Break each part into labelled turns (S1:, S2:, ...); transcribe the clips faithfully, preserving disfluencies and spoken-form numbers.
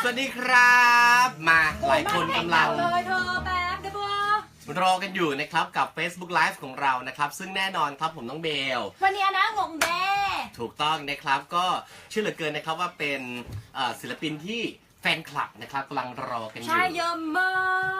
S1: วัสดีครับมาหลายคนกำลัง
S2: เลยเธอแป๊บเดี๋ยวบัว
S1: รอกันอยู่นะครับกับ Facebook Live ของเรานะครับซึ่งแน่นอนครับผมน้องเบล
S2: วันนี้นะงงแด้
S1: ถูกต้องนะครับก็เชื่อเหลือเกินนะครับว่าเป็นศิลปินที่แฟนคลับนะครับกำลังรอกันอยู่
S2: ใช่เยอะมาก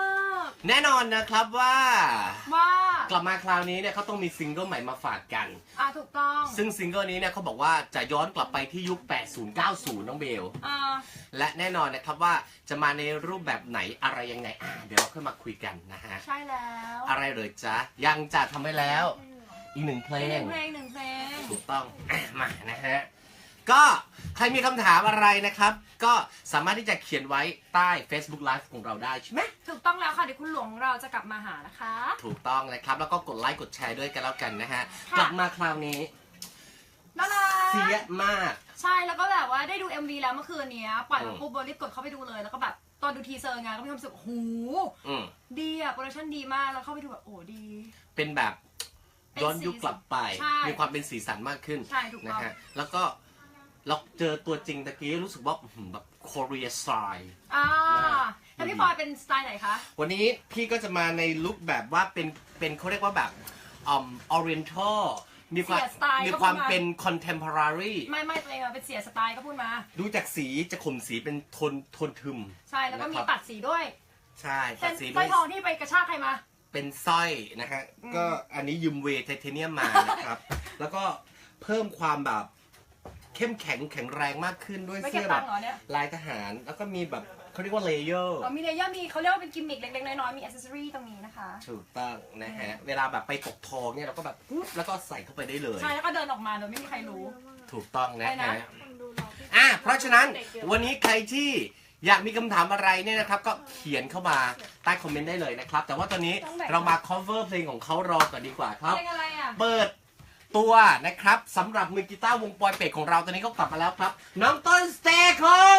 S1: แน่นอนนะครับว่า
S2: ว่าก
S1: ลับมาคราวนี้เนี่ยเขาต้องมีซิงเกิลใหม่มาฝากกัน
S2: อ่ะถูกต้อง
S1: ซึ่งซิงเกิลนี้เนี่ยเขาบอกว่าจะย้อนกลับไปที่ยุค แปดสิบ เก้าสิบ น้องเบล
S2: อ่า
S1: และแน่นอนนะครับว่าจะมาในรูปแบบไหนอะไรยังไงอ่ะเดี๋ยวเราค่อยมาคุยกันนะฮะ
S2: ใช่แล้ว
S1: อะไรเลยจ๊ะยังจะทำไว้แล้วอีกหนึ่งเพลง
S2: หนึ่งเพลงหนึ่งเพลง
S1: ถูกต้องมานะฮะก็ใครมีคำถามอะไรนะครับก็สามารถที่จะเขียนไว้ใต้ Facebook Live ของเราได้ใช่ไหม
S2: ถูกต้องแล้วค่ะเดี๋ยวคุณหลวงเราจะกลับมาหานะคะ
S1: ถูกต้องเลยครับแล้วก็กดไลค์กดแชร์ด้วยกันแล้วกันนะฮะกลับมาคราวนี้
S2: น่ารัก
S1: เสียมาก
S2: ใช่แล้วก็แบบว่าได้ดู เอ็ม วี แล้วเมื่อคืนนี้ปล่อยมาปุ๊บโบรีบกดเข้าไปดูเลยแล้วก็แบบตอนดูทีเซอร์ไงก็มีความรู้สึกโอ้โหดีอะโปรดักชั่นดีมากแล้วเข้าไปดูแบบโอ้ดี
S1: เป็นแบบย้อนยุคกลับไปมีความเป็นสีสันมากขึ้นนะฮะแล้วก็เราเจอตัวจริงตะกี้รู้สึกว่าแบบโคเรียสไตล์
S2: อ่าแล้วพี่บอยเป็นสไตล์ไหนคะ
S1: วันนี้พี่ก็จะมาในลุคแบบว่าเป็นเป็นเขาเรียกว่าแบบอืมออเรียนทัลมีความมีความเป็นคอนเทมพอรารี
S2: ไม่ไม่ตัวเองเป็นเสียสไตล์ก็พูดมา
S1: ดูจากสีจะข่มสีเป็นโทนโทนทึม
S2: ใช่แล้วก็มีตัดสีด้วย
S1: ใช่ตัดสี
S2: ด้วยสร้อยทองที่ไปกระชากใครมา
S1: เป็นสร้อยนะฮะก็อันนี้ยืมเวทไทเทเนียมมานะครับแล้วก็เพิ่มความแบบเข้มแข็งแข็งแรงมากขึ้นด้วยเสื้อแบบลายทหารแล้วก็มีแบบเขาเรียกว่าเลเยอร์
S2: อ๋อมีเลเยอร์มีเขาเรียกว่าเป็นกิมมิคเล็กๆน้อยๆมีอิสเซอรี่ตรงนี้นะคะ
S1: ถูกต้องนะฮะเวลาแบบไปตกทองเนี่ยเราก็แบบปุ๊บแล้วก็ใส่เข้าไปได้เลย
S2: ใช่แล้วก็เดินออกมาโดยไม่มีใครรู้
S1: ถูกต้องนะฮะอ่ะเพราะฉะนั้นวันนี้ใครที่อยากมีคำถามอะไรเนี่ยนะครับก็เขียนเข้ามาใต้คอมเมนต์ได้เลยนะครับแต่ว่าตอนนี้เรามา cover เพลงของเขารอก่อนดีกว่าครับเปิดตัวนะครับสำหรับมือกีตาร์วงปอยเป็ดของเราตอนนี้ก็กลับมาแล้วครับน้องต้นสเตโค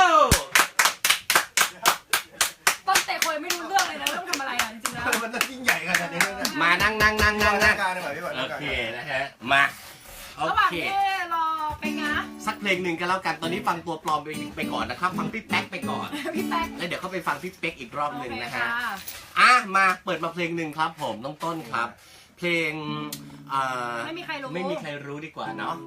S2: ต้นสเตโคไม่รู้เรื่องเลยนะต้องทำอะไรอ่ะจริงๆแล้ว
S3: มันต้องยิ่งใหญ่ขนาดนี้
S1: มานั่งนั่งนั่งนั่งนั่งโอเคนะฮะมาโอเค
S2: รอไปนะ
S1: สักเพลงหนึ่งกันแล้วกันตอนนี้ฟังตัวปลอมไปไปก่อนนะครับฟังพี่แป๊กไปก่อน
S2: พี่แป๊ก
S1: แล้วเดี๋ยวเข้าไปฟังพี่เป๊กอีกรอบหนึ่งนะฮะอ่ะมาเปิดมาเพลงหนึ่งครับผมน้องต้นครับเพลง
S2: ไม่มีใครรู้
S1: ไม่มีใครรู้ดีกว่าเนาะ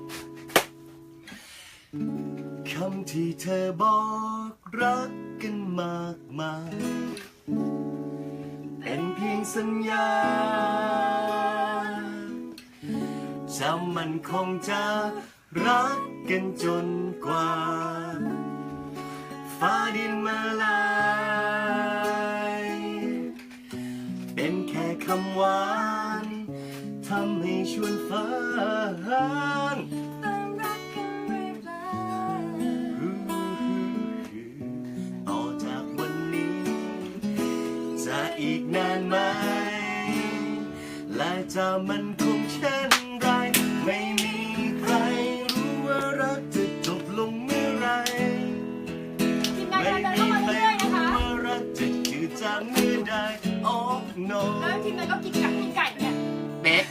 S1: คำที่เธอบอกรักกันมากมายเป็นเพียงสัญญาจะมันคงจะรักกันจนกว่าฟ้าดินมาลายเป็นแค่คำหวานทำให้ชวนฝันต่อจากวันนี้จะอีกนานไหมและจะมันคงเช่นไรไม่มีใครรู้ว่ารักจะจบลงเมื่อไร
S2: ไม่มีใครรู้ว่า
S1: รักจะจืดจางเมื่อใดโอ้ no
S2: แล้วทีมนั้นก็กินไก่กินไก่เนี่ย
S1: เป๊ก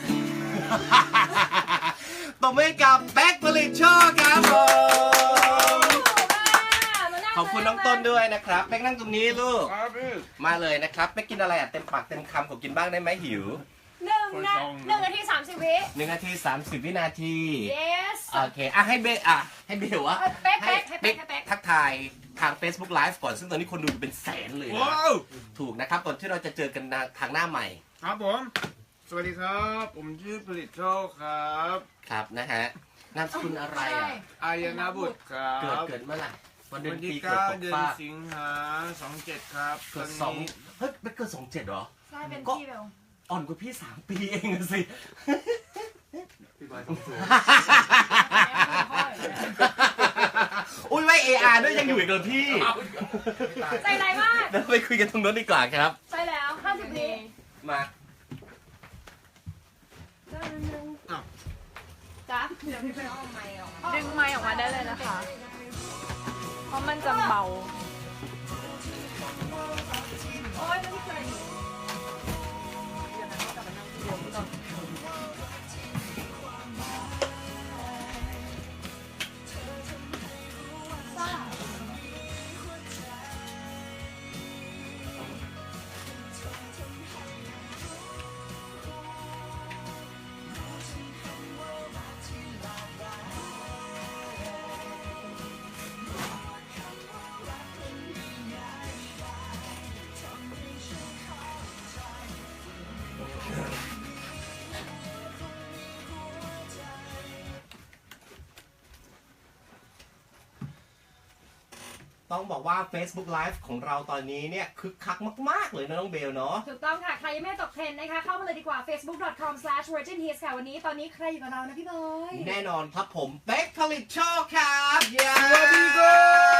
S1: ต่อไปกับแป๊กผลิตโชคครับผมขอบคุณน้องต้นด้วยนะครับแป๊กนั่งตรงนี้ลูกมาเลยนะครับแป๊กกินอะไรอ่ะเต็มปากเต็มคำขอกินบ้างได้ไหมหิว
S2: หนึ่งนะหนึ่งนาทีสามสิบวิ
S1: หนึ่งนาทีสามสิบวินาที
S2: yes
S1: โอเคอ่ะให้เบอ่ะให้เบลวะ
S2: เป๊กเป๊กให้เป๊ก
S1: ทักทายทาง Facebook Live ก่อนซึ่งตอนนี้คนดูเป็นแสนเลยนะถูกนะครับก่อนที่เราจะเจอกันทางหน้าใหม่
S3: ครับผมสวัสดีครับผมชื่อผลิตโชคครับ
S1: ครับนะฮะนามสกุลอะไรอ่ะ
S3: อายนาบุตรครับ
S1: เกิดเกิดเมื่อไหร่
S3: วันเดือนปีเกิดเดือนสิงหาสองเจ็ดครับ
S1: เกิดสองเฮ้ยเป็นเกิดสองเจ็ดเหรอ
S2: ใช่เป็นพี่เบล
S1: อ่อนกว่าพี่สามปีเองสิ
S3: พี่บอยต้องสูง
S1: อุ้ยไว้เออาร์ด้วยยังอยู่อีกเหรอพี่
S2: ใจไรมาก
S1: เดี๋ยวไปคุยกันตรงนั้นดีกว่าครับ
S2: ใช่แล้วห้าสิบวิ
S1: มา
S2: จ้าเดี๋ยวพี่ไปเอาไมค์ออกมา
S4: ดึงไมค์ออกมาได้เลยนะคะเพราะมันจะเบา
S2: โอ๊ยไม่เคย
S1: ต้องบอกว่า Facebook Live ของเราตอนนี้เนี่ยคึกคักมากๆเลยนะน้องเบลเนาะ
S2: ถูกต้องค่ะ ใครยังไม่ตกเทรนด์นะคะ เข้ามาเลยดีกว่า เฟซบุ๊ก ดอท คอม สแลช เวอร์จิน ฮิตส์ ค่ะ วันนี้ตอนนี้ใครอยู่กับเรานะพี่บอย
S1: แน่นอนครับผมเป๊กผลิตโชคครับเย้
S3: สวัสดีครับ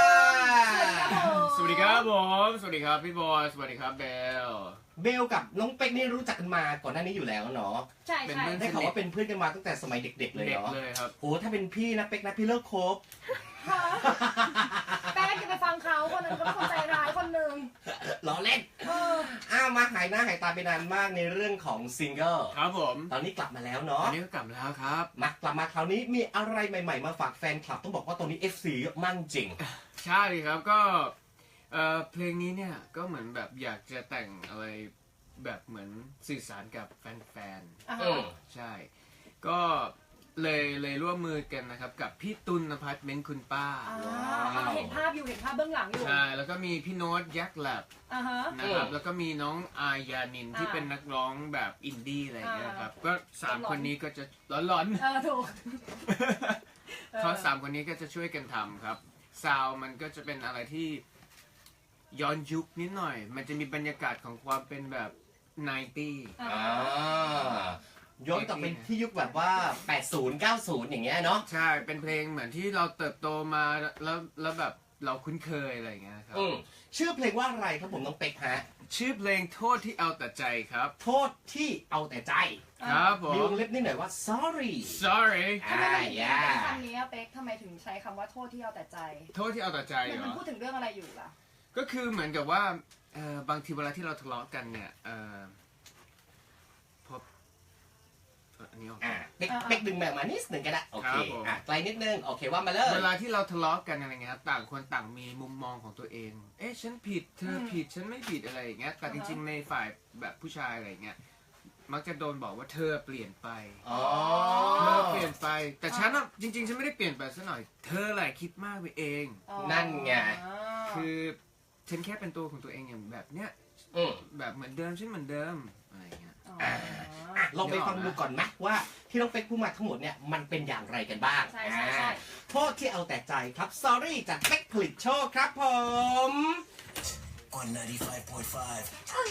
S2: สวัสดีครับผม
S3: สวัสดีครับผม สวัสดีครับพี่บอย สวัสดีครับเบล
S1: เบลกับน้องเป๊กนี่รู้จักกันมาก่อนหน้านี้อยู่แล้วเนาะ
S2: ใช่
S3: เป็น
S2: ใช่
S3: เพื่อน
S1: ได้ข่าวว่าเป็นเพื่อนกันมาตั้งแต่สมัยเด็ก ๆ เลย
S3: เด็ก
S1: เนาะ
S3: เลยครับ
S1: โอ้ถ้าเป็นพี่นะเป๊กนะพี่เลิกคบ
S2: ค่ะแป้งจะไปฟังเขาคนหนึงเขาเป็นคนใจร้ายคนหนึ่ง
S1: ล้อเล่น
S2: เออ
S1: อ้าวมาหายหน้าหายตาไปนานมากในเรื่องของซิงเกิล
S3: ครับผม
S1: ตอนนี้กลับมาแล้ว
S3: อั
S1: เนาะ
S3: นนี้ก็กลับมาแล้วครับ
S1: มากลับมาคราวนี้มีอะไรใหม่ๆมาฝากแฟนคลับต้องบอกว่าตอนนี้ เอฟ ซี เยอะมากจริง
S3: ใช่ครับก็เอ่อเพลงนี้เนี่ยก็เหมือนแบบอยากจะแต่งอะไรแบบเหมือนสื่อสารกับแฟน
S2: อ่า
S1: เอ
S2: ฮะ
S1: อ
S3: ๆ ใช่ ก็เลยเลยร่วมมือกันนะครับกับพี่ตุลนภัทรเม้นคุณป้า
S2: อ่าเห็นภาพอยู่เห็นภาพเบื้องหลังอยู่
S3: ใช่ แล้วก็มีพี่โน้ตยักษ์แลบ
S2: อ่าฮะ
S3: นะครับ
S1: เออ
S3: แล้วก็มีน้องอายานินที่
S2: อ่า
S3: เป็นนักร้องแบบอินดี้อะไรอย่างเงี้ยครับ
S2: อ่า
S3: ก็สาม
S2: ร้อนๆ
S3: คนนี้ก็จะร้อน
S2: เออถูก
S3: ๆ เขาสามคนนี้ก็จะช่วยกันทำครับ ซาวด์มันก็จะเป็นอะไรที่ย้อนยุคนิดหน่อย มันจะมีบรรยากาศของความเป็นแบบไนตี้
S2: อ่า
S1: อ่าย้อนกลับไปที่ยุคแบบว่า แปดสิบ เก้าสิบ อย่างเงี้ยเนาะ
S3: ใช่ เป็นเพลงเหมือนที่เราเติบโตมาแล้วแล้วแบบเราคุ้นเคยอะไรอย่างเงี้ยครับ
S1: อืมชื่อเพลงว่าอะไรครับผมน้องเป๊กฮะ
S3: ชื่อเพลงโทษที่เอาแต่ใจครับ
S1: โทษที่เอาแต่ใจ
S3: ครับผ
S1: มีว
S3: ม
S1: งเล็บนิดหน่อยว่า sorry
S3: sorry
S2: ทำไม
S1: อ่า
S2: ถึง
S1: อย่า
S2: เป็นคำนี้อะเป๊กทำไมถึงใช้คำว่าโทษที่เอาแต่ใจ
S3: โทษที่เอาแต่ใจ
S2: มัน
S3: เหร
S2: มัน
S3: อ
S2: พูดถึงเรื่องอะไรอยู่ล่ะ
S3: ก็คือเหมือนกับว่าเอ่อบางทีเวลาที่เราทะเลาะกันเนี่ยเอ่อพบเอ่ออันนี้ออก
S1: อ่าเป๊ก
S2: อ่า
S1: เป๊กดึงแบบมานิดหนึ่งก็ได้โอเค
S3: ครับผม
S1: อ่ะไกลนิดนึงโอเคว่ามาเลย
S3: เวลาที่เราทะเลาะกันอะไรเงี้ยครับต่างคนต่างมีมุมมองของตัวเอง เอ๊ะฉันผิดเธอผิดฉันไม่ผิดอะไรอย่างเงี้ยแต่จริงๆในฝ่ายแบบผู้ชายอะไรเงี้ยมักจะโดนบอกว่าเธอเปลี่ยนไป
S1: อ๋อ
S3: เธอเปลี่ยนไป แต่ฉันอ่ะจริงๆฉันไม่ได้เปลี่ยนไปซะหน่อย เธอแหละคิดมากไปเอง
S2: อ๋อ
S1: นั่นไง
S3: คือฉันแค่เป็นตัวของตัวเองอย่างแบบเนี้ย
S1: อืม
S3: แบบเหมือนเดิมฉันเหมือนเดิมอะไรอย่างเงี้ย
S2: อ๋อ
S1: อ่ะลองไปฟังดูก่อนไหมว่าที่น้องเป๊กพูดมาทั้งหมดเนี่ยมันเป็นอย่างไรกันบ้าง
S2: ใช่ใช่ใช่
S1: อ่าโทษที่เอาแต่ใจครับ sorry จากเป๊กผลิตโชคครับผม
S5: on ninety-five point five.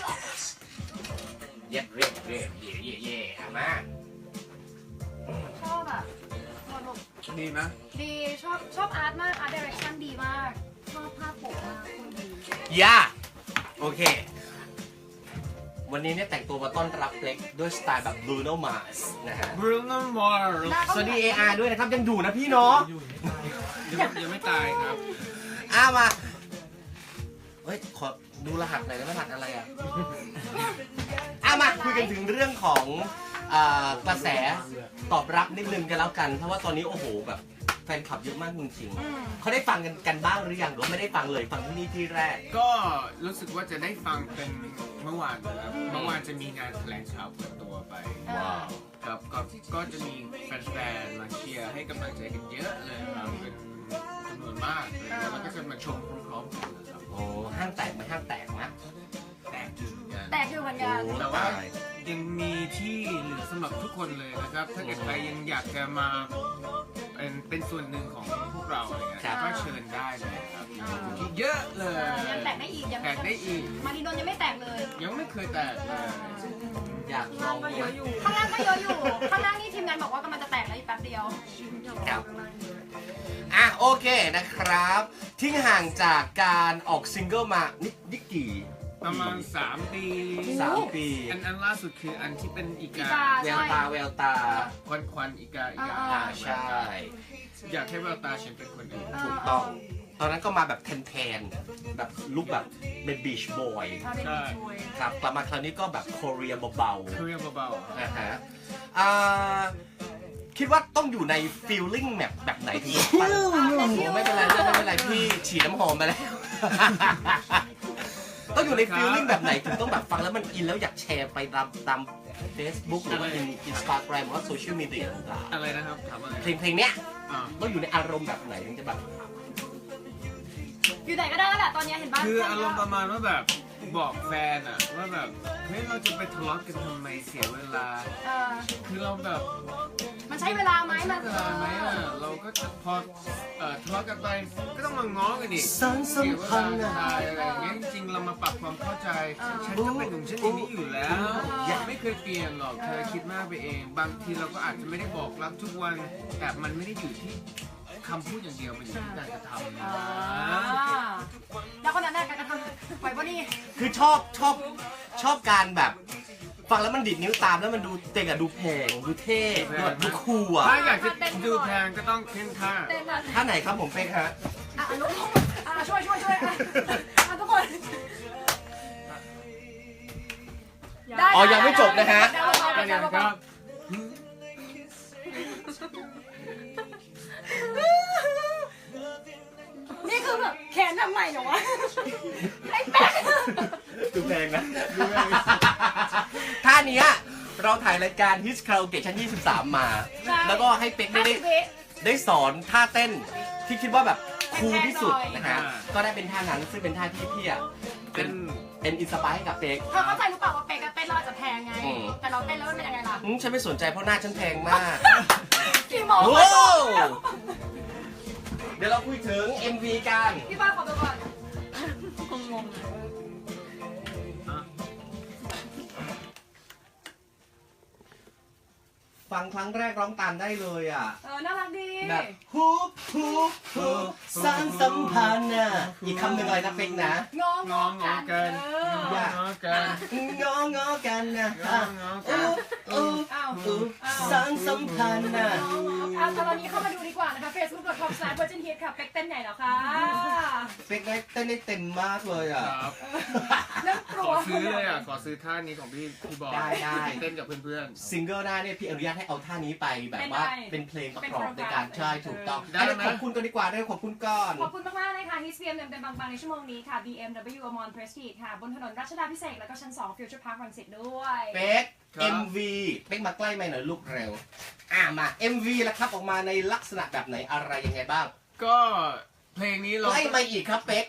S1: เย็บเรียบเรียบเย่เย่เย่อ่ะมา
S2: ชอบอะหมดหมด
S3: ดีไหม
S2: ดีชอบชอบอาร์ตมากอาร์ตดิเรกชันดีมาก ชอบภาพปกมากคุณดี
S1: ย่าโอเค วันนี้เนี่ยแต่งตัวมาต้อนรับเล็กด้วยสไตล์แบบ Bruno Mars นะฮะ
S3: บรูโน่มาร์
S1: สวัสดี เอ อาร์ ด้วยนะครับ ยังอยู่นะพี่เนาะ
S3: ยังยังไม่ตายครับ
S1: อ้ามา เฮ้ย ขอดูรหัสหน่อยนะรหัสอะไรอ่ะ อ้ามาคุยกันถึงเรื่องของอ่ากระแสตอบรับนิดนึงกันแล้วกัน เพราะว่าตอนนี้โอ้โหแบบแฟนคลับเยอะมากจริงๆเขาได้ฟังกันกันบ้างหรือยังหรือว่าไม่ได้ฟังเลยฟังที่นี่ที่แรก
S3: ก็รู้สึกว่าจะได้ฟังเป็นเมื่อวานนะครับ เมื่อวานจะมีงานแถลงข่าวเปิดตัวไป
S1: ว้าว
S3: ครับก็ก็จะมีแฟนๆมาเชียร์ให้กำลังใจกันเยอะเลยครับเป็นจำนวนมากเลยแล้วก็จะมาชมพร้อมๆกันนะครับ
S1: โอ้ห้างแตกไหมห้างแตกนะ
S3: แตกอยู่เหมือนกัน
S2: แตกอยู่เหมือนกัน
S1: โอ้
S3: แต่ว่ายังมีที่เหลือสำหรับทุกคนเลยนะครับ ถ้าเกิดใครยังอยากจะมาเป็นเป็นส่วนหนึ่งของพวกเราอะไรเงี้ยก็เชิญได้เลยครับที่เยอะเล
S2: เอย อยังแตกได้อีกยัง
S3: แตกได้อีก
S2: มารีนนท์ยังไม่แตกเลย
S3: ยังไม่เคยแตกเลย
S1: อยากลองไหม
S2: ข้างล่างก็เยอะอยู่ ข้างล่างนี่ทีมงานบอกว่ากำลังจะแตกแล้วอีกแป๊บเดียว
S1: ครับอ่ะโอเคนะครับ ทิ้งห่างจากการออกซิงเกิลมานิดนิดกี่
S3: ประมาณสามปี
S1: สามปี
S3: อันอันล่าสุดคืออันที่เป็นอีกา
S2: อีกา
S1: แววตาแววตา
S3: ควันควันอีกาอีกา
S1: อ่าใช่
S3: อยากให้แววตาฉันเป็นคนอื่น
S1: ถูกต้อง ตอนนั้นก็มาแบบแทนๆแบบลุคแบบเป็นบีชบอย
S2: ถ้าเป็น
S3: ใช่
S2: ช่วย
S1: ครับกลับมาคราวนี้ก็แบบโคเรียเบา
S3: เครียเบา
S1: ๆนะฮะอ่าคิดว่าต้องอยู่ในฟีลลิ่งแบบแบบไหนถึงจะฟังโอ้ไม่เป็นไรไม่เป็นไรพี่ฉีดน้ำหอมไปแล้ว ต้องอยู่ในฟีลลิ่งแบบไหนถึงต้องแบบฟังแล้วมันอินแล้วอยากแชร์ไปตามตาม Facebook หรือว่าอินสตาแกรมหรือว่าโซเชียลมีเดียต่าง
S3: ๆอะไรนะครับถามอะไร
S1: ๆเพลงเพลงเนี้ย
S3: อ่า
S1: ต้องอยู่ในอารมณ์แบบไหนถึงจะแบบ
S2: อยู่ไหนก็ได้แล้วแหละตอนนี้เห็นบ้าน
S3: คืออารมณ์ประมาณว่าแบบบอกแฟนอะว่าแบบเฮ้ยเราจะไปทะเลาะกันทำไมเสียเวลา
S2: เออ
S3: คือเราแบบ
S2: มันมันใช้เวลาไหมมัน
S3: เวลาไหมอ่ะเราก็จะพอเอ่อทะเลาะกันไปก็ต้องมาง้อกันอีก
S1: สารสัมพันธ์
S3: เสีย
S1: อะ
S3: เวลาอะไรอย่างเงี้ยจริงๆเรามาปรับความเข้าใจฉันก็เป็นของฉันอย่างนี้อยู่แล้ว
S1: อย่า
S3: ไม่เคยเปลี่ยนหรอกเธอคิดมากไปเอง บางทีเราก็อาจจะไม่ได้บอกรักทุกวัน แต่มันไม่ได้อยู่ที่คำพูดอย่างเดียวมันอยู่ที่การกระทำนะ
S2: อ่าแล้วคนนั้นได้การกระทำปล่อยว่านี่
S1: คือชอบชอบชอบการแบบฟังแล้วมันดิดนิ้วตามแล้วมันดูเจ๋งอะดูแพงดูเท่ดูแบบดูคูลอะ
S3: ถ้าอยากจะดูแพงก็ต้องเพ่นท่า
S2: เต้นอ่ะ
S1: ท่าไหนครับผมเป๊กฮะ
S2: อ่ะลุกอ่ะช่วยช่วยช่วยอ่ะอ่ะทุกคนได้
S1: อ๋อยังไม่จบนะฮะ
S2: ได้ได้
S3: อั
S2: ได้
S3: นนี้
S2: ได้
S3: ก็
S2: นี่คือแบบแขนทำไมเหรอวะไอ้แป๊ก
S1: ดูแพงนะท่าเนี้ยเราถ่ายรายการ His Karaoke ชั้นยี่สิบสามมา แล้วก็ให้เป๊กได้ได้ได้สอนท่าเต้นที่คิดว่าแบบคูลที่สุดนะฮะก็ได้เป็นท่านั้นซึ่งเป็นท่าที่พี่อะเป็
S3: เป็น น
S1: เป็นอินสปายให้กับเป๊ก
S2: เธอเข้าใจหรือเปล่าว่าเป๊กกับเต้นเราอาจจะแพงไง
S1: อืม
S2: แต่เราเต้นแล้วมันเป็นยังไงล่ะ
S1: อืมฉันไม่สนใจเพราะหน้าฉันแพงมาก
S2: กี่โมง
S1: โอ้
S2: วะ
S1: เดี๋ยวเราคุยถึง เอ็ม วี กัน
S2: พี่ป้าขอตัวก่อน
S4: งงๆอะ
S1: ฟังครั้งแรกร้องตามได้เลยอ่ะ
S2: เออน่ารักดี
S1: แบบฮุบฮุบฮุบสร้างสัมพันธ์น่ะอีกคำหนึ่งอะไรนะเป๊กนะ
S2: งอง
S3: งองอกัน
S2: เออ
S3: งองอกัน
S1: งองอกันนะ
S3: งองอกัน
S1: อู้
S2: อ้าว
S1: อู้สร้างสัมพันธ์น่ะ
S2: เอาตอนนี้เข้ามาดูดีกว่านะคะ เฟซบุ๊ก ดอท คอม สแลช เวอร์จินฮิต ค่ะ เป๊กเต้นไหนเหรอคะ
S1: เป๊กได้เต้นได้เต็มมากเลยอ่ะ
S3: ครับ
S2: เริ่มก
S3: ข
S2: ลั
S3: อ
S2: ว
S3: ซื้อเลยอ่ะ ขอซื้อท่านี้ของพี่พี่บอย
S1: ได้ได้
S3: เต้นกับเพื่อน
S1: ซิงเกิลหน้าเนี่ยพี่อนุญาตให้เอาท่านี้ไปแบบว่าเป็นเพลงประกอบในการใช่ถูกต้องอันนี้ขอบคุณกันดีกว่าด้วยขอบคุณก่อน
S2: ขอบคุณมากๆเลยค่ะ ฮิส บี เอ็ม เต็มๆบางๆในชั่วโมงนี้ค่ะ บี เอ็ม ดับเบิลยู Amon Prestige ค่ะ บนถนนรัชดาพิเศษกแล้วก็ชั้น สอง Future Park รังสิตด้วย
S1: เป๊ก เอ็ม วี เป๊กมาใกล้ไหมหน่อยลูกเร็ว อ่ามา เอ็ม วี แล้วครับออกมาในลักษณะแบบไหนอะไรยังไงบ้าง
S3: ๆ ก็เพลงนี้เรา
S1: ใกล้มาอีกครับเป๊ก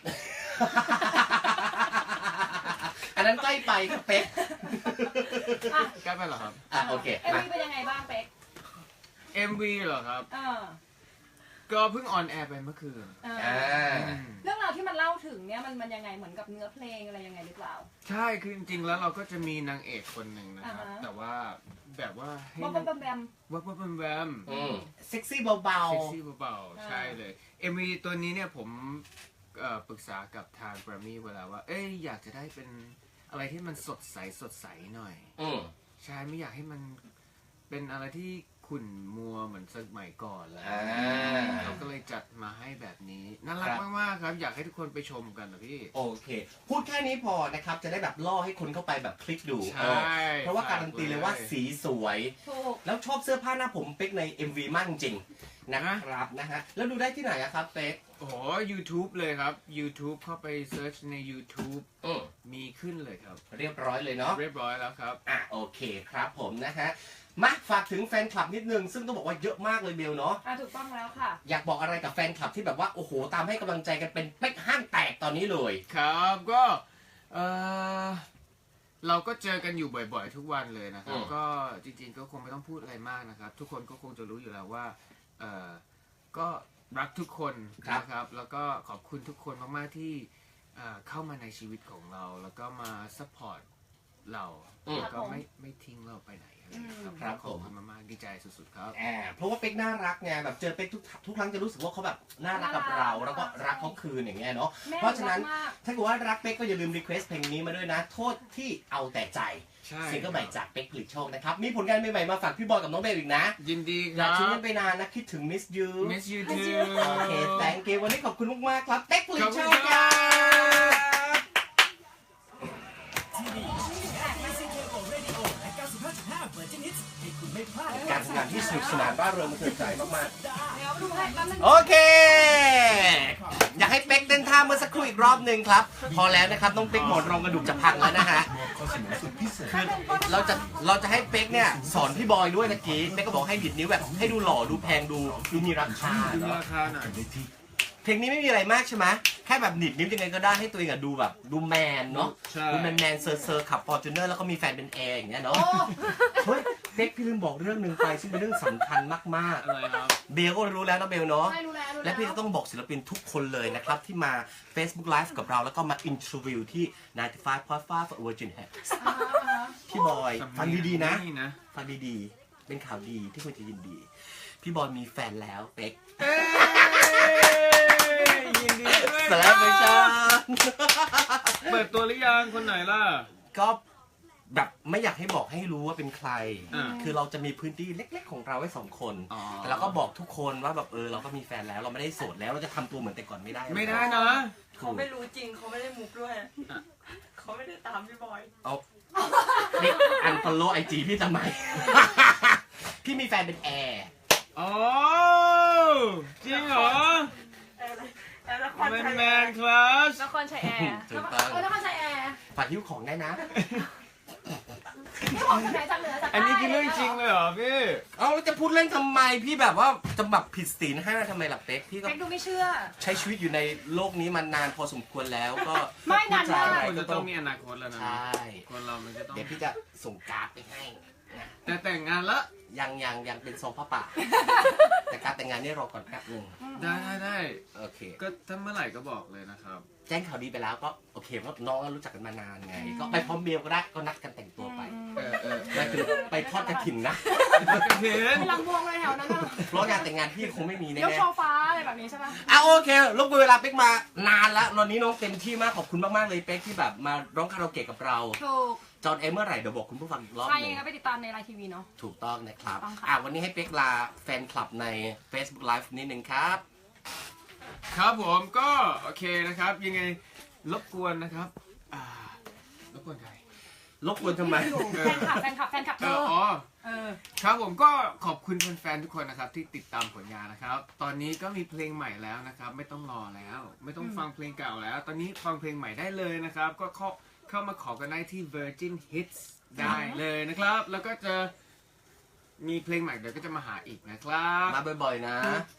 S1: อันนั้นใกล้ไปครับเป๊ก
S2: อ่ะ
S3: ใกล้ไปเหรอครับ
S1: อ่ะโอเค
S2: เอ็ม
S1: มา
S2: วีเป็นยังไงบ้างเป๊ก
S3: เอ็ม วี เหรอครับ
S2: เออ
S3: ก็เพิ่งออนแอร์ไปเมื่อคืน
S2: เออ
S1: อ่า
S2: เรื่องราวที่มันเล่าถึงเนี่ยมันมันยังไงเหมือนกับเนื้อเพลงอะไรยังไงหรือเปล่า
S3: ใช่ คือจริงๆ แล้วเราก็จะมีนางเอกคนหนึ่งนะครับ
S2: อ่าฮะ
S3: แต่ว่าแบบว่าให้
S2: บอม
S3: นาง
S2: บอมแบม
S3: วับวับแวมแวม
S1: อืมเซ็กซี่เบา
S3: เซ็กซี่เบา
S2: อ่า
S3: ๆ ใช่เลย เอ็ม วี ตัวนี้เนี่ยผมเอ่อปรึกษากับทาง Grammy เวลาว่า เอ้ยอยากจะได้เป็นอะไรที่มันสดใสสดใสหน่อย
S1: ๆ อืม
S3: ใช่ไม่อยากให้มันเป็นอะไรที่ขุ่นมัวเหมือนสมัยก่อนแล้ว
S1: อ่า
S3: เราก็เลยจัดมาให้แบบนี้น่ารัก
S1: ครับ
S3: มากๆครับ อยากให้ทุกคนไปชมกันนะพี่
S1: โอเค พูดแค่นี้พอนะครับ จะได้แบบล่อให้คนเข้าไปแบบคลิกดู
S3: ใช่
S1: เออเพราะว่าการันตีเลยว่าสีสวย
S2: ถูก
S1: แล้วชอบเสื้อผ้าหน้าผมเป๊กใน เอ็ม วี มากจริงๆนะครับนะฮะ แล้วดูได้ที่ไหนอะครับเป๊ก
S3: โอ้โห YouTube เลยครับ YouTube เข้าไปเซิร์ชใน YouTube
S1: อืม
S3: มีขึ้นเลยครับ
S1: เรียบร้อยเลยเนาะ
S3: เรียบร้อยแล้วครับ
S1: อ่ะโอเคครับผมนะฮะ มาฝากถึงแฟนคลับนิดนึง ซึ่งต้องบอกว่าเยอะมากเลยเบลเนาะ
S2: อ่ะถูกต้องแล้วค่ะ
S1: อยากบอกอะไรกับแฟนคลับที่แบบว่า โอ้โห ตามให้กำลังใจกันเป็นเป๊กห้างแตกตอนนี้เลย
S3: ครับก็เออเราก็เจอกันอยู่บ่อยๆ ทุกวันเลยนะครับ
S1: อืม
S3: ก็จริงๆ ก็คงไม่ต้องพูดอะไรมากนะครับ ทุกคนก็คงจะรู้อยู่แล้วว่าเออก็รักทุกคนนะครับ แล้วก็ขอบคุณทุกคนมากๆที่เอ่อเข้ามาในชีวิตของเรา แล้วก็มาซัพพอร์ตเรา
S1: อืม
S3: แล้วก็ไม่ไม่ทิ้งเราไปไหนอะไรอย่างเงี้ยครับ
S1: ครับ
S3: ขอบ
S1: ผม
S3: คุณมากๆดีใจสุดๆครับ
S1: อ่าเพราะว่าเป๊กน่ารักไงแบบเจอเป๊กทุกทุกครั้งจะรู้สึกว่าเขาแบบน่ารักกับเรา แล้วก็รักเขาคืนอย่างเงี้ยเนาะ
S2: แม่
S1: เพราะฉะนั้น
S2: รักมาก
S1: ถ้าเกิดว่ารักเป๊กก็อย่าลืมรีเควสเพลงนี้มาด้วยนะ โทษที่เอาแต่ใจ
S3: ใช่
S1: ซิงเกิลใหม่จากเป๊กผลิตโชคนะครับ มีผลงานใหม่ๆมาฝากพี่บอยกับน้องเบลอีกนะ
S3: ยินดีค
S1: อยา
S3: รั
S1: กทิ้ง
S3: บ
S1: กันไปนานนะ คิดถึง Miss You
S3: Miss you
S2: Miss
S3: too
S2: you
S1: โอเค thank you วันนี้ขอบคุณมากๆครับเป๊กผลิ
S3: ข
S1: ต
S3: อบ
S1: โช
S3: คุณ
S1: ค
S3: ค
S1: ค
S3: รั
S1: รับ
S3: บ
S1: การทำงานที่สนุกสนานร่าเริงมันเถิดใจมาก
S2: เดี๋ยวดูให้แป๊บนึง
S1: ๆ โอเค อยากให้เป๊กเต้นท่าเมื่อสักครู่อีกรอบหนึ่งครับ พอแล้วนะครับน้องเป๊กหมอนรองกระดูกจะพังแล้วนะฮะคือเราจะเราจะให้เป๊กเนี่ยสอนพี่บอยด้วยตะกี้เป๊กก็บอกให้ดิดนิ้วแบบให้ดูหล่อดูแพงดูดูมีราคา
S3: ดู
S1: เนาะ
S3: ราคาหน่อย
S1: เพลงนี้ไม่มีอะไรมากใช่ไหมแค่แบบหนิดนิ้วยังไงก็ได้ให้ตัวเองอะดูแบบดูแมนเนาะ
S3: ใช่
S1: ดูแมนแมนเซอร์เซอร์ขับฟอร์จูเนอร์แล้วก็มีแฟนเป็นแอร์อย่างเงี้ยเนาะ
S2: โอ้
S1: เฮ้ยเป๊กพี่ลืมบอกเรื่องหนึ่งไปซึ่งเป็นเรื่องสำคัญมาก
S3: อะไรครับ
S1: ๆเบลก็รู้แล้วนะเบลเนาะ
S2: ใช่รู้แล้วรู้
S1: และ
S2: แล้ว
S1: พี่จะต้องบอกศิลปินทุกคนเลยนะครับ ที่มา Facebook Live กับเราแล้วก็มาอินทวิวที่ ninety-five point five Virgin Head
S2: อ่าอ่า
S1: พี่บอยฟังดีๆนะ
S3: นะ
S1: ฟังดีๆ เป็นข่าวดีที่คุณจะยินดี พี่บอยมีแฟนแล้วเป๊ก
S3: เอ้ยยินดีด้วย
S1: สแล้วไม่ใช่
S3: เปิดตัวหรือยังคนไหนล่ะ
S1: ก็แบบไม่อยากให้บอกให้รู้ว่าเป็นใคร
S3: อ่า
S1: คือเราจะมีพื้นที่เล็กๆของเราไว้สองคน
S3: อ๋อ
S1: แต่เราก็บอกทุกคนว่าแบบเออเราก็มีแฟนแล้วเราไม่ได้โสดแล้วเราจะทำตัวเหมือนแต่ก่อนไม่ได้
S3: ไม่ได้นะ
S6: เขาไม่รู้จริงเขาไม่ได้มุกด้วย เขาไม่ได้ตามพี่บอย
S1: เอาเด็กอันฟอลโล่ไอจีพี่ทำไม พี่มีแฟนเป็นแอร์
S3: อ๋อจริงเหรอ
S6: อะไรแล้วละคร
S3: แมน
S6: ไทย
S3: แมนคลาส
S4: นครชัยแอร์
S1: ถูกต้อง
S2: เออแล้วก็ใช้แอร์
S1: ฝากหิ้วของได้นะ
S2: ไม่ออกจากไหนจากเหนือจากใต้
S3: อันนี้คือเรื่องจริงเลยเหรอพี่
S1: เอาแล้วจะพูดเล่นทำไมพี่แบบว่าจะแบบผิดศีลห้าทำไมล่ะเป๊กพี่ก็
S2: เป๊กดูไม่เชื่อ
S1: ใช้ชีวิตอยู่ในโลกนี้มานานพอสมควรแล้วก็
S2: ไม่นานมาก
S1: พูดจ
S3: คน
S1: อะไร
S3: จะ
S1: ก็
S3: ต้
S1: ต้
S3: อ
S1: อง ง
S3: มีอนาคตแล้วนะ
S1: ใช่
S3: คนเรามันจะต้อง
S1: เดี๋ยวพี่จะส่งการ์ดไปให้
S3: แต่แต่งงานละ
S1: ยังยังยังเป็นซองผ้าป่า แต่การแต่งงานนี่รอก่อนแป๊บหนึง
S3: ได้ได้ได้
S1: โอเค
S3: ก็ถ้าเมื่อไหร่ก็บอกเลยนะครับ
S1: แจ้งข่าวดีไปแล้วก็โอเคเพราะน้องก็รู้จักกันมานานไง ก็ไปพร้อมเบลก็ได้ก็นัดกันแต่งตัวไป
S3: เออเออ
S1: นั่นคือไปทอดกระถิ่นนะ
S3: กระเทน
S2: เป็นลำวงเลยแถวนั้นน่ะ
S1: เพราะงานแต่งงานพี่คงไม่มีแน่
S2: ยก
S1: ๆ
S2: ช่อฟ้าอะไรแบบนี้ใช่ปะ
S1: อ่ะโอเครบกวนเวลาเป๊กมานานแล้วตอนนี้น้องเต็มที่มากขอบคุณมากๆเลยเป๊กที่แบบมาร้องคาราโอเกะกับเรา
S2: ถูก
S1: จอห์นเอเมื่อไหร่เดี๋ยวบอกคุณผู้ฟังอีกรอบ
S2: ใคร
S1: หนึ
S2: ยัง
S1: ง
S2: ไงก็ไปติดตามในไลน์ทีวีเนาะ
S1: ถูกต้องนะครับ
S2: ต้องค่ะ
S1: อ่ะวันนี้ให้เป๊กลาแฟนคลับใน Facebook Live นิดนึงครับ
S3: ครับผมก็โอเคนะครับ ยังไงรบกวนนะครับอ่ารบกวนใคร
S1: รบกวนทำไม
S2: แฟนคลับแฟนคลับแฟนคลับ
S3: เอ
S2: เธ
S3: อ
S2: อ
S3: อ๋อ
S2: เออ
S3: ครับผมก็ขอบคุณแฟนๆทุกคนนะครับที่ติดตามผลงานนะครับ ตอนนี้ก็มีเพลงใหม่แล้วนะครับ ไม่ต้องรอแล้ว ไม่ต้องฟังเพลงเก่าแล้ว ตอนนี้ฟังเพลงใหม่ได้เลยนะครับ ก็เข้าเข้ามาขอกันได้ที่ Virgin Hits ได้เลยนะครับ แล้วก็จะมีเพลงใหม่เดี๋ยวก็จะมาหาอีกนะครับ
S1: มาบ่อยๆนะ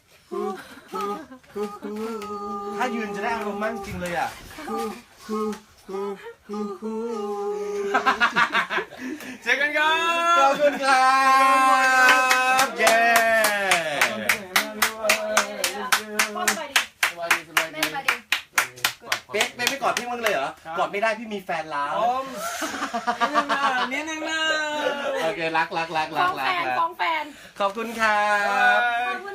S1: ถ้ายืนจะได้อารมณ์มากจริงเลยอ่ะ
S3: เจอกันครับ
S1: ขอบคุณครับเย้
S2: พ่อสบายดี
S3: สวัสดีสวัส
S2: แม่
S3: ดี
S2: สบายดี
S1: เป๊กเป๊กไม่กอดพี่มั้างเลยเหรอ กอดไม่ได้พี่มีแฟนแล้ว
S3: อมนิดนึงนะนิดนึงนะ
S1: โอเครักรักรักรั
S2: ฟ้
S1: ก
S2: อง
S1: รั
S2: แฟ
S1: ก
S2: น
S1: รัก
S2: ฟ้องแฟน
S1: ขอบคุณครับ
S2: ขอบคุณ